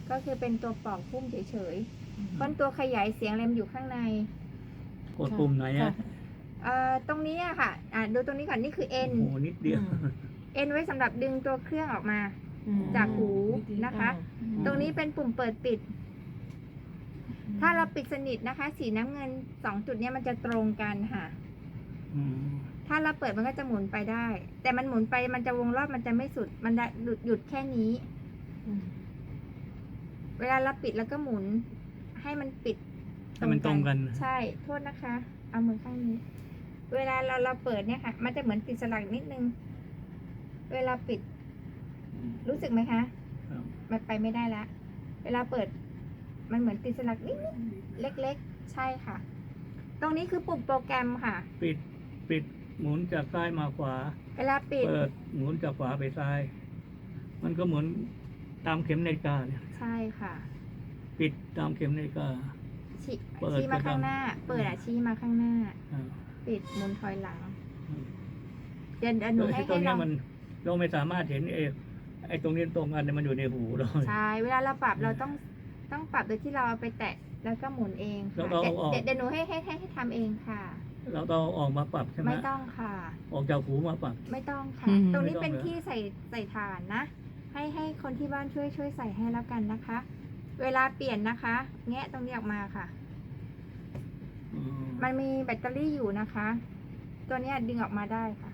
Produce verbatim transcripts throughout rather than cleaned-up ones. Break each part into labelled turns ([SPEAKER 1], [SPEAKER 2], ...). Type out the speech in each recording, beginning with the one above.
[SPEAKER 1] ก็คือเป็นตัวปอกพุ่มเฉยๆเพราะตัวขยายเสียงอะไรมันอยู่ข้างใน
[SPEAKER 2] กดปุ่มไหนอ่ะ
[SPEAKER 1] เอ่อตรงนี้อะค่ะอ่าดูตรงนี้ก่อนนี่คือเอ็น
[SPEAKER 2] โอ้โหนิดเดียว
[SPEAKER 1] เอ็นไว้สำหรับดึงตัวเครื่องออกมา
[SPEAKER 3] อืม
[SPEAKER 1] จากหูนะคะ
[SPEAKER 3] อืม
[SPEAKER 1] ตรงนี้เป็นปุ่มเปิดปิด ถ้าเราปิดสนิทนะคะ สีน้ำเงินสองจุดเนี้ยมันจะตรงกันค่ะ
[SPEAKER 2] อืม
[SPEAKER 1] ถ้าเราเปิดมันก็จะหมุนไปได้ แต่มันหมุนไปมันจะวงรอบมันจะไม่สุด มันจะหยุดหยุดแค่นี้
[SPEAKER 3] อืม
[SPEAKER 1] เวลาเราปิดแล้วก็หมุน ให้มันปิด
[SPEAKER 2] ให้มันตรงกัน
[SPEAKER 1] ใช่ โทษนะคะ เอามือข้างนี้ เวลาเราเราเปิดเนี่ยค่ะ มันจะเหมือนติดสลักนิดนึง เวลาปิด รู้สึกไหมคะ
[SPEAKER 2] ครับ
[SPEAKER 1] มันไปไม่ได้ละ เวลาเปิด มันเหมือนติดสลักนิดๆเล็กๆ ใช่ค่ะ ตรงนี้คือปุ่มโปรแกรมค่ะ
[SPEAKER 2] ปิดปิดหมุนจากซ้ายมาขวา
[SPEAKER 1] เวลาปิด
[SPEAKER 2] เปิดหมุนจากขวาไปซ้าย มันก็เหมือนตามเข็มนาฬิกาเนี่ย
[SPEAKER 1] ใช่ค่ะ
[SPEAKER 2] ปิดตามเข็มนาฬิกา
[SPEAKER 1] ชี้
[SPEAKER 2] เปิด
[SPEAKER 1] ชี้มา
[SPEAKER 2] ไปตาม
[SPEAKER 1] ข้างหน้า เปิดอะชี้มาข้างหน้า
[SPEAKER 2] อ่า
[SPEAKER 1] ปิดหมุนถอยหลัง เดี๋ยวเดี๋ยวหนูให้
[SPEAKER 2] ไอ้ตร
[SPEAKER 1] ให้
[SPEAKER 2] ง
[SPEAKER 1] ล
[SPEAKER 2] เนี้
[SPEAKER 1] อย ง
[SPEAKER 2] มันเราไม่สามารถเห็นไอ้ไอ้ตรงนี้ตรงกันเนี่ยมันอยู่ในหูเรา
[SPEAKER 1] ใช่ เวลาเราปรับเราต้องต้องปรับโดยที่เราเอาไปแตะแล้วก็หมุนเอง
[SPEAKER 2] แล้ว
[SPEAKER 1] ค่ะ
[SPEAKER 2] เรา
[SPEAKER 1] เดี๋ยว
[SPEAKER 2] ออก
[SPEAKER 1] เดี๋ยวเดี๋ยวหนูให้ให้ให้ให้ทำเองค่ะ
[SPEAKER 2] เราต้องออกมาปรับใช่ไหม
[SPEAKER 1] ไม่ต้องค่ะ
[SPEAKER 2] ออกจากหูมาปรับ
[SPEAKER 1] ไม่ต้องค่ะ
[SPEAKER 3] อืม
[SPEAKER 1] ตรงนี้
[SPEAKER 2] ไม่ต้อง
[SPEAKER 1] เป็น
[SPEAKER 2] เหรอ
[SPEAKER 1] ที่ใส่ใส่ถ่านนะ ให้ให้คนที่บ้านช่วยช่วยใส่ให้แล้วกันนะคะ เวลาเปลี่ยนนะคะ แงะตรงนี้ออกมาค่ะ
[SPEAKER 2] อืม
[SPEAKER 1] มันมีแบตเตอรี่อยู่นะคะ ตัวเนี้ยดึงออกมาได้ค่ะ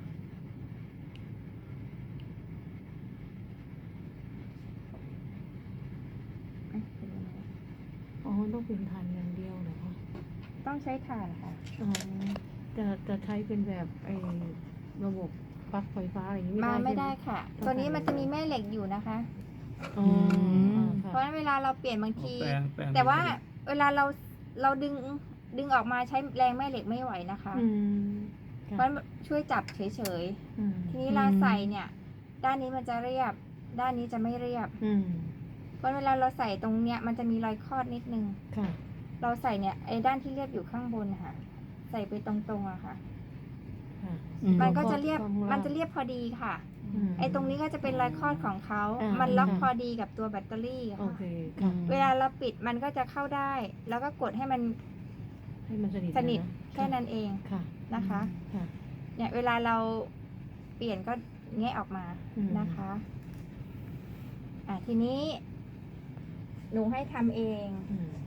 [SPEAKER 1] เอ๊ะเป็นยังไง
[SPEAKER 3] อ๋อต้องเป็นฐานอย่างเดียวเหรอคะ
[SPEAKER 1] ต้องใช้ถ่านค่ะ
[SPEAKER 3] อ๋อจะจะใช้เป็นแบบไอ้ระบบปลั๊กไฟฟ้าอะไรอย่างนี้
[SPEAKER 1] มา
[SPEAKER 3] ไม่
[SPEAKER 1] ไม่
[SPEAKER 3] ได้
[SPEAKER 1] ได้
[SPEAKER 3] ใช่ห
[SPEAKER 1] ค่ะ
[SPEAKER 3] ต้อง
[SPEAKER 1] ตัวนี้
[SPEAKER 3] ถ่าน
[SPEAKER 1] มันจะมีแม่เหล็กอยู่นะคะ
[SPEAKER 3] อ๋ออ่า
[SPEAKER 1] เพ
[SPEAKER 3] ค่ะ
[SPEAKER 1] ราะฉะนั้นเวลาเราเปลี่ยนบางที
[SPEAKER 2] แปลงปลง
[SPEAKER 1] แต่ว่าเวลาเราเราดึงดึงออกมาใช้แรงแม่เหล็กไม่ไหวนะคะ
[SPEAKER 3] อืม
[SPEAKER 1] เพราะฉะนั้นช่วยจับเฉย
[SPEAKER 3] อืม
[SPEAKER 1] ๆ ทีนี้เวลาใส่เนี่ย ด้านนี้มันจะเรียบ ด้านนี้จะไม่เรียบ
[SPEAKER 3] อืม
[SPEAKER 1] เพราะเวลาเราใส่ตรงเนี้ยมันจะมีรอยคอดนิดนึง
[SPEAKER 3] ค่ะ
[SPEAKER 1] เราใส่เนี่ยไอ้ด้านที่เรียบอยู่ข้างบนค่ะ ใส่ไปตรงๆอะค่ะ
[SPEAKER 3] ค่ะ
[SPEAKER 4] อืม
[SPEAKER 1] มันก็จะเรียบ
[SPEAKER 3] ข้างล่าง
[SPEAKER 1] มันจะเรียบพอดีค่ะ
[SPEAKER 3] ม
[SPEAKER 1] ไอ้ตรงนี้ก็จะเป็นรอยคอดของเขา
[SPEAKER 3] อ่ามั
[SPEAKER 1] มันล็อก
[SPEAKER 3] อ่า
[SPEAKER 1] พอดีกับตัวแบตเตอรี่
[SPEAKER 3] โอ
[SPEAKER 1] ค่ะ
[SPEAKER 3] เคค่ะ
[SPEAKER 1] เวลาเราปิดมันก็จะเข้าได้ แล้วก็กดให้มัน
[SPEAKER 3] ให้มันสนิท
[SPEAKER 1] สนิท
[SPEAKER 3] ะ
[SPEAKER 1] แค่นั้นเอง
[SPEAKER 3] ค่ะ
[SPEAKER 1] นะคะ
[SPEAKER 3] ค่ะ
[SPEAKER 1] เนี่ยเวลาเราเปลี่ยนก็แงะออกมา
[SPEAKER 3] อืม
[SPEAKER 1] นะคะ อ่ะทีนี้ หนูให้ทำเอง
[SPEAKER 3] อืม